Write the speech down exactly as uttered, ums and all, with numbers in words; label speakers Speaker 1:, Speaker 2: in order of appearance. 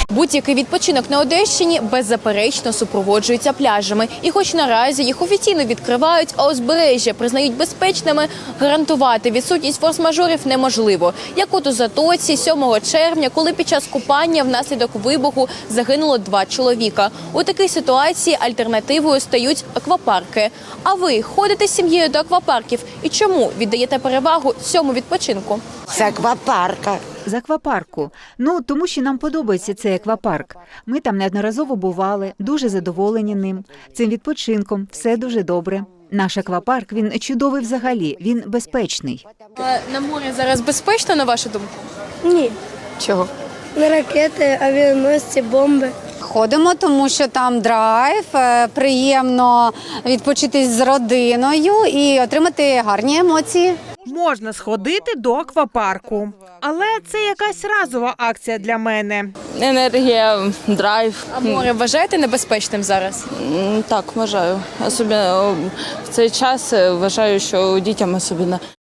Speaker 1: Будь-який відпочинок на Одещині беззаперечно супроводжується пляжами. І хоч наразі їх офіційно відкривають, а узбережжя признають безпечними, гарантувати відсутність форс-мажорів неможливо. Як от у Затоці сьомого червня, коли під час купання внаслідок вибуху загинуло два чоловіка. У такій ситуації альтернативою стають аквапарки. А ви ходите з сім'єю до аквапарків? І чому віддаєте перевагу цьому відпочинку?
Speaker 2: З аквапарка.
Speaker 3: З аквапарку. Ну, тому що нам подобається цей аквапарк. Ми там неодноразово бували, дуже задоволені ним. Цим відпочинком все дуже добре. Наш аквапарк, він чудовий взагалі, він безпечний.
Speaker 1: А на морі зараз безпечно, на вашу думку?
Speaker 4: Ні.
Speaker 1: Чого?
Speaker 4: Не ракети, авіаносці, бомби.
Speaker 5: Ходимо, тому що там драйв, е, приємно відпочити з родиною і отримати гарні емоції.
Speaker 6: Можна сходити до аквапарку, але це якась разова акція для мене.
Speaker 7: Енергія, драйв.
Speaker 1: А море вважаєте небезпечним зараз?
Speaker 7: М, Так, вважаю. Особливо в цей час вважаю, що дітям особливо.